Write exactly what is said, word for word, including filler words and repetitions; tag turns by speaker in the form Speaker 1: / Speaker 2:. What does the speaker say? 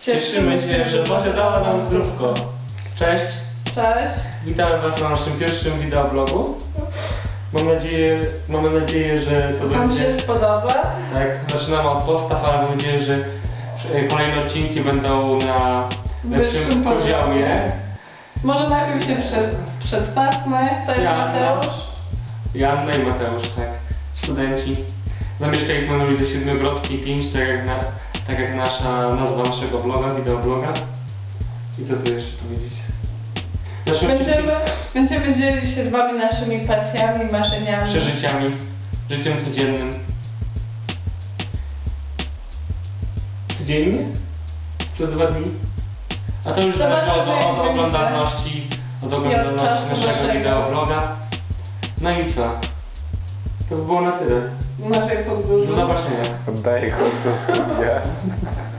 Speaker 1: Cieszymy się, że Boże dała nam zdrówko. Cześć,
Speaker 2: Cześć.
Speaker 1: witamy Was na naszym pierwszym wideoblogu. Mam nadzieję, mamy nadzieję, że to
Speaker 2: Wam
Speaker 1: będzie...
Speaker 2: się spodoba?
Speaker 1: Tak, zaczynamy od podstaw, ale mam nadzieję, że kolejne odcinki będą na lepszym
Speaker 2: Wyższym
Speaker 1: poziomie.
Speaker 2: Może najpierw się przed, przedstawmy. To jest
Speaker 1: Joanna.
Speaker 2: Mateusz.
Speaker 1: Joanna i Mateusz, tak. Studenci. Zamieszkaliśmy na ulicy Siedmiogrodskiej pięć, tak jak, na, tak jak nasza nazwa naszego vloga, wideobloga. I co tu jeszcze powiedzieć? Naszym
Speaker 2: Będziemy, będziemy dzielić się z Wami naszymi pasjami, marzeniami.
Speaker 1: przeżyciami, życiem codziennym. Codziennie? Co dwa dni? A to już zależy od,
Speaker 2: Zobaczymy,
Speaker 1: od
Speaker 2: jak
Speaker 1: oglądalności, od oglądalności
Speaker 2: czasu
Speaker 1: naszego
Speaker 2: naszego.
Speaker 1: wideobloga. No i co? To by było na tyle.
Speaker 2: Naszej podróży.
Speaker 1: Do zobaczenia.
Speaker 3: Oddaję chodź do studia.